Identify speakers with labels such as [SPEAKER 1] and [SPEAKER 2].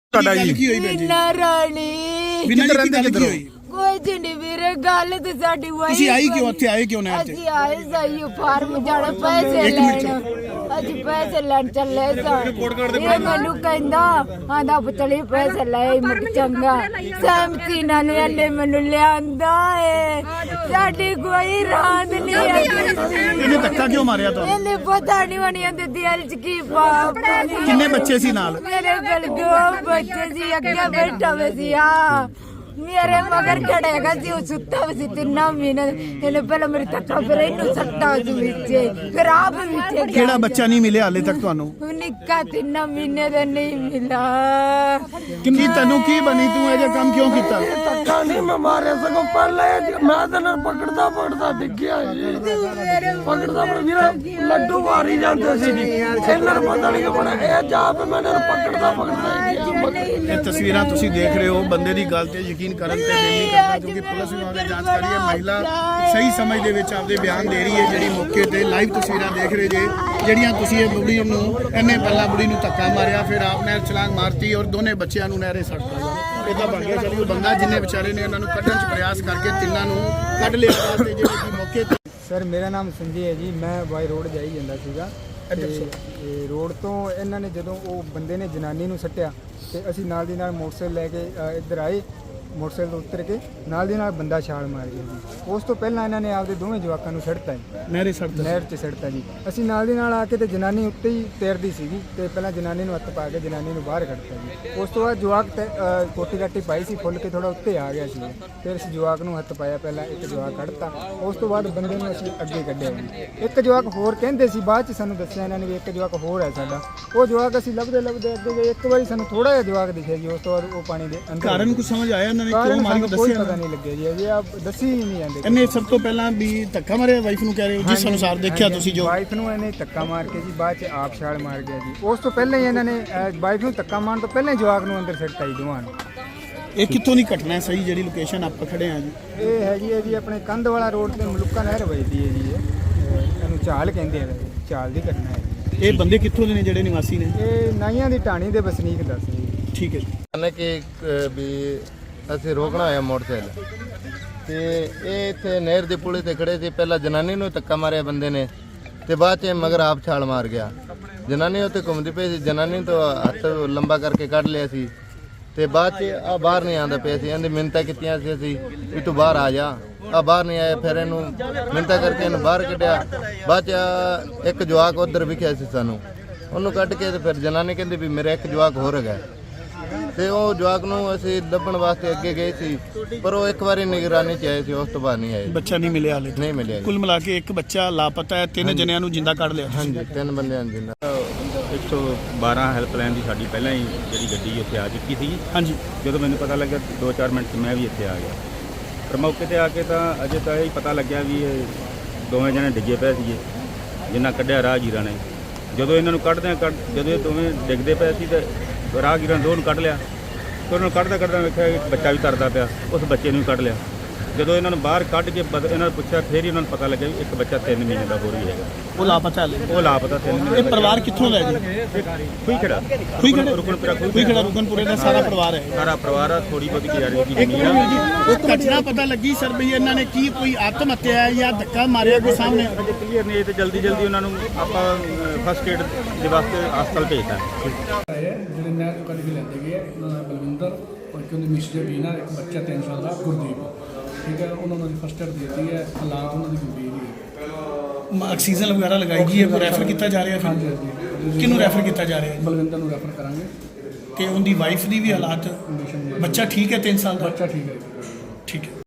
[SPEAKER 1] ਤੁਹਾਡਾ ਜੀ
[SPEAKER 2] ਵੀਨਾ ਰਾਣੀ
[SPEAKER 1] ਕਿੱਧਰ ਰਹਿੰਦੇ ਕਿੱਧਰੋਂ
[SPEAKER 2] ਕੁਝ ਨਹੀਂ ਵੀਰੇ ਗੱਲ ਤੇ ਸਾਡੀ ਵਾਈ
[SPEAKER 1] ਤੁਸੀਂ ਆਈ ਕਿਉਂ ਇੱਥੇ ਆਏ ਕਿਉਂ ਨਹਿਰ ਤੇ
[SPEAKER 2] ਅਸੀਂ ਆਏ ਸਹੀ ਫਾਰਮ ਜਾਣਾ ਪੈਸੇ ਲੈਣ ਅਸੀਂ ਪੈਸੇ ਲੈਣ ਚੱਲੇ ਸਾਂ ਇਹ ਮੈਨੂੰ ਕਹਿੰਦਾ ਆਂਦਾ ਪੁੱਤਲੀ ਪੈਸੇ ਲੈ ਮੈਂ ਚੰਗਾ ਸਹਿਮਤੀ ਨਾਲ ਇਹਨੇ ਮੈਨੂੰ ਲਿਆਂਦਾ ਏ ਸਾਡੀ ਕੋਈ ਰਾਂਦ ਨਹੀਂ
[SPEAKER 1] ਇਹਨੇ ਧੱਕਾ ਕਿਉਂ ਮਾਰਿਆ ਤੁਹਾਨੂੰ
[SPEAKER 2] ਇਹਨੇ ਪਤਾ ਨਹੀਂ ਵਣੀ ਇਹਦੇ ਦਿਲ ਚ ਕੀ ਪਾਪ
[SPEAKER 1] ਕਿੰਨੇ ਬੱਚੇ ਸੀ ਨਾਲ
[SPEAKER 2] ਮੇਰੇ ਕੋਲ ਦੋ ਬੱਚੇ ਸੀ ਅੱਗੇ ਬੈਠਾ ਹੋਇਆ ਸੀ ਆ ਮੇਰੇ ਮਗਰ ਖੜੇਗਾ ਸੀ ਉਹ ਸੁੱਤਾ ਵੀ ਸੀ 3 ਮਹੀਨੇ ਇਹਨੇ ਪਹਿਲਾਂ ਮੇਰੀ ਧੱਕਾ ਫਿਰ ਇਹਨੂੰ ਸੱਟਾ ਸੀ ਵਿੱਚ ਫਿਰ ਆਪ ਵਿੱਚ
[SPEAKER 1] ਕਿਹੜਾ ਬੱਚਾ ਨਹੀਂ ਮਿਲਿਆ ਹਾਲੇ ਤੱਕ ਤੁਹਾਨੂੰ
[SPEAKER 2] ਨਿੱਕਾ 3 ਮਹੀਨੇ ਦਾ ਨਹੀਂ ਮਿਲਾ
[SPEAKER 1] ਕਿੰਨੀ ਤੈਨੂੰ ਕੀ ਬਣੀ ਤੂੰ ਇਹ ਜਿਹਾ ਕੰਮ ਕਿਉਂ ਕੀਤਾ
[SPEAKER 3] ਧੱਕਾ ਨਹੀਂ ਮੈਂ ਮਾਰਿਆ ਸਗੋਂ ਪਹਿਲੇ ਮੈਂ ਤਾਂ ਨਾਲ ਪਕੜਦਾ ਡਿੱਗਿਆ ਪਕੜਦਾ ਵੀਰਾ ਲੱਡੂ ਮਾਰੀ ਜਾਂਦੇ ਸੀ ਜੀ ਇਹਨਾਂ ਨੂੰ ਪਤਾ ਨਹੀਂ ਕਿ ਬਣਾ ਇਹ ਜਾ ਪੇ ਮੈਂ ਇਹਨਾਂ ਨੂੰ ਪਕੜਦਾ
[SPEAKER 1] ਇਹ ਤਸਵੀਰਾਂ ਤੁਸੀਂ ਦੇਖ ਰਹੇ ਹੋ ਬੰਦੇ ਦੀ ਗੱਲ ਤੇ ਯਕੀਨ ਕਰਨ ਤੇ ਦਿਲ ਨਹੀਂ ਕਰਦਾ ਕਿਉਂਕਿ ਪੁਲਿਸ ਵਿਭਾਗ ਨੇ ਜਾਂਚ ਕਰੀ ਹੈ ਮਹਿਲਾ ਸਹੀ ਸਮਝ ਦੇ ਵਿੱਚ ਆਪਦੇ ਬਿਆਨ ਦੇ ਰਹੀ ਹੈ ਜਿਹੜੀ ਮੌਕੇ ਤੇ ਲਾਈਵ ਤਸਵੀਰਾਂ ਦੇਖ ਰਹੇ ਜੇ ਜਿਹੜੀਆਂ ਤੁਸੀਂ ਇਹ ਬੁੜੀ ਨੂੰ ਇਹਨੇ ਪਹਿਲਾਂ ਬੁੜੀ ਨੂੰ ਧੱਕਾ ਮਾਰਿਆ ਫਿਰ ਆਪਨੇ ਛਲਾਂਗ ਮਾਰਤੀ ਔਰ ਦੋਨੇ ਬੱਚਿਆਂ ਨੂੰ ਨਹਿਰੇ ਸੱਟਤਾ ਇਹਦਾ ਬਣ ਗਿਆ ਚਲੀ ਉਹ ਬੰਦਾ ਜਿੰਨੇ ਵਿਚਾਰੇ ਨੇ ਉਹਨਾਂ ਨੂੰ ਕੱਢਣ ਚ ਪ੍ਰਯਾਸ ਕਰਕੇ ਤਿੰਨਾਂ ਨੂੰ ਕੱਢ ਲਿਆ ਤੇ ਜਿਹੜੇ ਕਿ ਮੌਕੇ ਤੇ
[SPEAKER 4] ਸਰ ਮੇਰਾ ਨਾਮ ਸੰਜੇ ਹੈ ਜੀ ਮੈਂ ਬਾਈ ਰੋਡ ਜਾਈ ਜਾਂਦਾ ਸੀਗਾ ਤੇ ਰੋਡ ਤੋਂ ਇਹਨਾਂ ਨੇ ਜਦੋਂ ਉਹ ਬੰਦੇ ਨੇ ਜਨਾਨੀ ਨੂੰ ਸੱਟਿਆ ਤੇ ਅਸੀਂ ਨਾਲ ਦੀ ਨਾਲ ਮੋਟਰਸਾਈਕਲ ਲੈ ਕੇ ਇੱਧਰ ਆਏ ਮੋਟਰਸਾਈਕਲ ਤੋਂ ਉਤਰ ਕੇ ਨਾਲ ਦੀ ਨਾਲ ਬੰਦਾ ਛਾਲ ਮਾਰ ਗਿਆ ਜੀ ਉਸ ਤੋਂ ਪਹਿਲਾਂ ਇਹਨਾਂ ਨੇ ਆਪਦੇ ਦੋਵੇਂ ਜਵਾਕਾਂ ਨੂੰ ਸੱਟਤਾ
[SPEAKER 1] ਨਹਿਰੇ ਸੱਟਤਾ
[SPEAKER 4] ਨਹਿਰ 'ਚ ਸੱਟਤਾ ਜੀ ਅਸੀਂ ਨਾਲ ਦੀ ਨਾਲ ਆ ਕੇ ਤੇ ਜਨਾਨੀ ਉੱਤੇ ਹੀ ਤੈਰਦੀ ਸੀਗੀ ਤੇ ਪਹਿਲਾਂ ਜਨਾਨੀ ਨੂੰ ਹੱਥ ਪਾ ਕੇ ਜਨਾਨੀ ਨੂੰ ਬਾਹਰ ਕੱਢਤਾ ਜੀ ਉਸ ਤੋਂ ਬਾਅਦ ਜਵਾਕ ਕੋਟੀ ਕਾਟੀ ਪਾਈ ਸੀ ਫੁੱਲ ਕੇ ਥੋੜਾ ਉੱਤੇ ਆ ਗਿਆ ਸੀ ਫਿਰ ਅਸੀਂ ਜਵਾਕ ਨੂੰ ਹੱਥ ਪਾਇਆ ਪਹਿਲਾਂ ਇੱਕ ਜਵਾਕ ਕੱਢਤਾ ਉਸ ਤੋਂ ਬਾਅਦ ਬੰਦੇ ਨੂੰ ਅਸੀਂ ਅੱਗੇ ਕੱਢਿਆ ਜੀ ਇੱਕ ਜਵਾਕ ਹੋਰ ਕਹਿੰਦੇ ਸੀ ਬਾਅਦ 'ਚ ਸਾਨੂੰ ਦੱਸਿਆ ਇਹਨਾਂ ਨੇ ਵੀ ਇੱਕ ਜਵਾਕ ਹੋਰ ਹੈ ਸਾਡਾ ਉਹ ਜਵਾਕ ਅਸੀਂ ਲੱਭਦੇ ਅੱਗੇ ਗਏ ਇੱਕ ਵਾਰੀ ਸਾਨੂੰ ਥੋੜਾ ਜਿਹਾ ਜਵਾਕ ਦਿਖਿਆ ਜੀ ਉਸ ਤੋਂ ਬਾਅਦ ਉਹ ਪਾਣੀ ਦੇ ਅੰਦਰ
[SPEAKER 1] ਕਾਰਨ ਕੁਝ ਸਮਝ ਆਇਆ ਇਹਨਾਂ ਨੇ ਕਿਉਂ ਮਾਰੀ
[SPEAKER 4] ਕੋਈ
[SPEAKER 1] ਦੱਸਿਆ
[SPEAKER 4] ਪਤਾ ਨਹੀਂ ਲੱਗਿਆ ਜੀ ਅਜੇ ਆਪ ਦੱਸੀ ਹੀ ਨਹੀਂ ਜਾਂਦੇ
[SPEAKER 1] ਇਹਨੇ ਸਭ ਤੋਂ ਪਹਿਲਾਂ ਵੀ ਧੱਕਾ ਮਾਰਿਆ ਵਾਈਫ ਨੂੰ ਕਹਿ ਰਹੇ ਹੋ ਜਿਸ ਅਨੁਸਾਰ ਦੇਖਿਆ ਤੁਸੀਂ ਜੋ
[SPEAKER 4] ਵਾਈਫ ਨੂੰ ਇਹਨੇ ਧੱਕਾ ਮਾਰ ਕੇ ਜੀ ਬਾਅਦ 'ਚ ਆਪ ਛਾਲ ਮਾਰ ਗਿਆ ਜੀ ਉਸ ਤੋਂ ਪਹਿਲਾਂ ਹੀ ਇਹਨਾਂ ਨੇ ਵਾਈਫ ਨੂੰ ਧੱਕਾ ਮਾਰਨ ਤੋਂ ਪਹਿਲਾਂ ਹੀ ਜਵਾਕ ਨੂੰ ਅੰਦਰ ਸਿੱਟਤਾ ਜੀ ਦੋਵਾਂ ਨੂੰ
[SPEAKER 1] ਇਹ ਕਿੱਥੋਂ ਦੀ ਘਟਨਾ ਹੈ ਸਹੀ ਜਿਹੜੀ ਲੋਕੇਸ਼ਨ ਆਪਾਂ ਖੜੇ ਆ ਜੀ
[SPEAKER 4] ਇਹ ਹੈਗੀ ਹੈ ਜੀ ਆਪਣੇ ਕੰਧ ਵਾਲਾ ਰੋਡ ਤੇ ਮਲੂਕਾ ਨਹਿਰ ਵੱਜਦੀ ਹੈ ਜੀ ਇਹਨੂੰ ਚਾਲ ਕਹਿੰਦੇ ਆ ਚਾਲ ਦੀ ਘਟਨਾ ਹੈ
[SPEAKER 1] ਇਹ ਬੰਦੇ ਕਿੱਥੋਂ ਦੇ ਨੇ ਜਿਹੜੇ ਨਿਵਾਸੀ ਨੇ
[SPEAKER 4] ਇਹ ਨਾਈਆਂ ਦੀ ਢਾਣੀ ਦੇ ਵਸਨੀਕ ਦੱਸ ਜੀ
[SPEAKER 1] ਠੀਕ ਹੈ
[SPEAKER 5] ਕਹਿੰਦੇ ਕਿ ਵੀ ਅਸੀਂ ਰੋਕਣਾ ਹੋਇਆ ਮੋਟਰਸਾਈਕਲ ਤੇ ਇਹ ਇੱਥੇ ਨਹਿਰ ਦੇ ਪੁਲੇ ਤੇ ਖੜੇ ਸੀ ਪਹਿਲਾਂ ਜਨਾਨੀ ਨੂੰ ਧੱਕਾ ਮਾਰਿਆ ਬੰਦੇ ਨੇ ਤੇ ਬਾਅਦ 'ਚ ਮਗਰ ਆਪ ਛਾਲ ਮਾਰ ਗਿਆ ਜਨਾਨੀ ਉੱਤੇ ਘੁੰਮਦੀ ਪਈ ਸੀ ਜਨਾਨੀ ਤੋਂ ਹੱਥ ਲੰਬਾ ਕਰਕੇ ਕੱਢ ਲਿਆ ਸੀ ਤੇ ਬਾਅਦ 'ਚ ਆ ਬਾਹਰ ਨਹੀਂ ਆਉਂਦਾ ਪਿਆ ਸੀ ਇਹਦੀ ਮਿੰਨਤਾਂ ਕੀਤੀਆਂ ਸੀ ਅਸੀਂ ਵੀ ਤੂੰ ਬਾਹਰ ਆ ਜਾ ਆ ਬਾਹਰ ਨਹੀਂ ਆਇਆ ਫਿਰ ਇਹਨੂੰ ਮਿੰਨਤਾਂ ਕਰਕੇ ਇਹਨੂੰ ਬਾਹਰ ਕੱਢਿਆ ਬਾਅਦ 'ਚ ਇੱਕ ਜਵਾਕ ਉੱਧਰ ਵਿਖਿਆ ਸੀ ਸਾਨੂੰ ਉਹਨੂੰ ਕੱਢ ਕੇ ਤੇ ਫਿਰ ਜਨਾਨੀ ਕਹਿੰਦੀ ਵੀ ਮੇਰਾ ਇੱਕ ਜਵਾਕ ਹੋਰ ਹੈਗਾ ਤੇ ਉਹ ਜਵਾਕ ਨੂੰ ਅਸੀਂ ਲੱਭਣ ਵਾਸਤੇ ਅੱਗੇ ਗਏ ਸੀ ਪਰ ਉਹ ਇੱਕ ਵਾਰੀ ਨਿਗਰਾਨੀ ਚ ਆਏ ਸੀ ਉਸ ਤੋਂ ਬਾਅਦ ਨਹੀਂ ਆਏ
[SPEAKER 1] ਬੱਚਾ ਨਹੀਂ ਮਿਲਿਆ ਹਾਲੇ
[SPEAKER 5] ਨਹੀਂ ਮਿਲਿਆ
[SPEAKER 1] ਕੁੱਲ ਮਿਲਾ ਕੇ ਇੱਕ ਬੱਚਾ ਲਾਪਤਾ ਹੈ 3 ਜਣਿਆਂ ਨੂੰ ਜਿੰਦਾ ਕੱਢ ਲਿਆ
[SPEAKER 5] ਹਾਂਜੀ 3 ਬੰਦਿਆਂ ਨੂੰ ਜਿੰਦਾ
[SPEAKER 6] 112 ਹੈਲਪਲਾਈਨ ਦੀ ਸਾਡੀ ਪਹਿਲਾਂ ਹੀ ਜਿਹੜੀ ਗੱਡੀ ਇੱਥੇ ਆ ਚੁੱਕੀ ਸੀ
[SPEAKER 1] ਹਾਂਜੀ
[SPEAKER 6] ਜਦੋਂ ਮੈਨੂੰ ਪਤਾ ਲੱਗਿਆ 2-4 ਮਿੰਟ 'ਚ ਮੈਂ ਵੀ ਇੱਥੇ ਆ ਗਿਆ ਪਰ ਮੌਕੇ ਤੇ ਆ ਕੇ ਤਾਂ ਅਜੇ ਤਾਂ ਇਹ ਪਤਾ ਲੱਗਿਆ ਵੀ ਇਹ ਦੋਵੇਂ ਜਣੇ ਡਿੱਗੇ ਪਏ ਸੀਗੇ ਜਿੰਨਾ ਕੱਢਿਆ ਰਾਹਗੀਰਾਂ ਨੇ ਜਦੋਂ ਇਹਨਾਂ ਨੂੰ ਜਦੋਂ ਇਹ ਦੋਵੇਂ ਡਿੱਗਦੇ ਪਏ ਸੀ ਤੇ ਰਾਹਗੀਰਾਂ ਦੋ ਨੂੰ ਕੱਢ ਲਿਆ ਤੇ ਉਹਨਾਂ ਨੂੰ ਕੱਢਦਾ ਵੇਖਿਆ ਇੱਕ ਬੱਚਾ ਵੀ ਤਰਦਾ ਪਿਆ ਉਸ ਬੱਚੇ ਨੂੰ ਵੀ ਕੱਢ ਲਿਆ ਜਦੋਂ ਇਹਨਾਂ ਨੂੰ ਬਾਹਰ ਕੱਢ ਕੇ ਇਹਨਾਂ ਨੂੰ ਪੁੱਛਿਆ ਫਿਰ ਹੀ ਉਹਨਾਂ ਨੂੰ ਪਤਾ ਲੱਗਿਆ ਵੀ ਇੱਕ ਬੱਚਾ 3 ਮਹੀਨੇ ਦਾ ਹੋਰ ਵੀ ਹੈਗਾ
[SPEAKER 1] ਉਹ ਲਾਪਤਾ ਹੈ
[SPEAKER 6] ਉਹ ਲਾਪਤਾ 3 ਮਹੀਨੇ
[SPEAKER 1] ਇਹ ਪਰਿਵਾਰ ਕਿੱਥੋਂ ਦਾ ਹੈ ਜੀ ਰੁਕਨਪੁਰੇ ਦਾ ਸਾਰਾ ਪਰਿਵਾਰ ਹੈ
[SPEAKER 6] ਸਾਰਾ ਪਰਿਵਾਰ ਆ ਥੋੜੀ ਬਹੁਤੀ ਗੁਜ਼ਾਰਿਸ਼ ਦੀ
[SPEAKER 1] ਇੱਕ
[SPEAKER 6] ਜ਼ਮੀਨ ਆ
[SPEAKER 1] ਉਹ ਘਟਨਾ ਪਤਾ ਲੱਗੀ ਸਰ ਵੀ ਇਹਨਾਂ ਨੇ ਕੀ ਕੋਈ ਆਤਮ ਹੱਤਿਆ ਹੈ ਜਾਂ ਧੱਕਾ ਮਾਰਿਆ ਕੋਈ ਸਾਹਮਣੇ
[SPEAKER 6] ਅਜੇ ਕਲੀਅਰ ਨਹੀਂ ਤੇ ਜਲਦੀ ਉਹਨਾਂ ਨੂੰ ਆਪਾਂ ਫਸਟ ਏਡ ਦੇ ਵਾਸਤੇ ਹਸਪਤਾਲ ਭੇਜਤਾ
[SPEAKER 7] ਜਿਹੜੇ ਨਹਿਰ ਤੋਂ ਕੱਢ ਕੇ ਲੈਂਦੇ ਗਏ ਉਹਨਾਂ ਦਾ ਬਲਵਿੰਦਰ ਔਰ ਕਿ ਉਹਦੀ ਮਿਸ ਬੀਨਾ ਇੱਕ ਬੱਚਾ 3 ਸਾਲ ਦਾ ਗੁਰਦੀਪ ਠੀਕ ਹੈ ਉਹਨਾਂ ਨੂੰ ਫਸਟ ਏਡ ਦਿੱਤੀ ਹੈ ਹਾਲਾਤ ਉਹਨਾਂ ਦੀ ਗੰਭੀਰ ਹੀ ਹੈ
[SPEAKER 1] ਆਕਸੀਜਨ ਵਗੈਰਾ ਲਗਾਈ ਗਈ ਹੈ ਰੈਫਰ ਕੀਤਾ ਜਾ ਰਿਹਾ
[SPEAKER 7] ਹਾਂਜੀ
[SPEAKER 1] ਫਿਰ ਕਿਹਨੂੰ ਰੈਫਰ ਕੀਤਾ ਜਾ ਰਿਹਾ
[SPEAKER 7] ਬਲਵਿੰਦਰ ਨੂੰ ਰੈਫਰ ਕਰਾਂਗੇ
[SPEAKER 1] ਤੇ ਉਹਦੀ ਵਾਈਫ ਦੀ ਵੀ ਹਾਲਾਤ ਬੱਚਾ ਠੀਕ ਹੈ 3 ਸਾਲ ਦਾ
[SPEAKER 7] ਬੱਚਾ ਠੀਕ ਹੈ
[SPEAKER 1] ਠੀਕ ਹੈ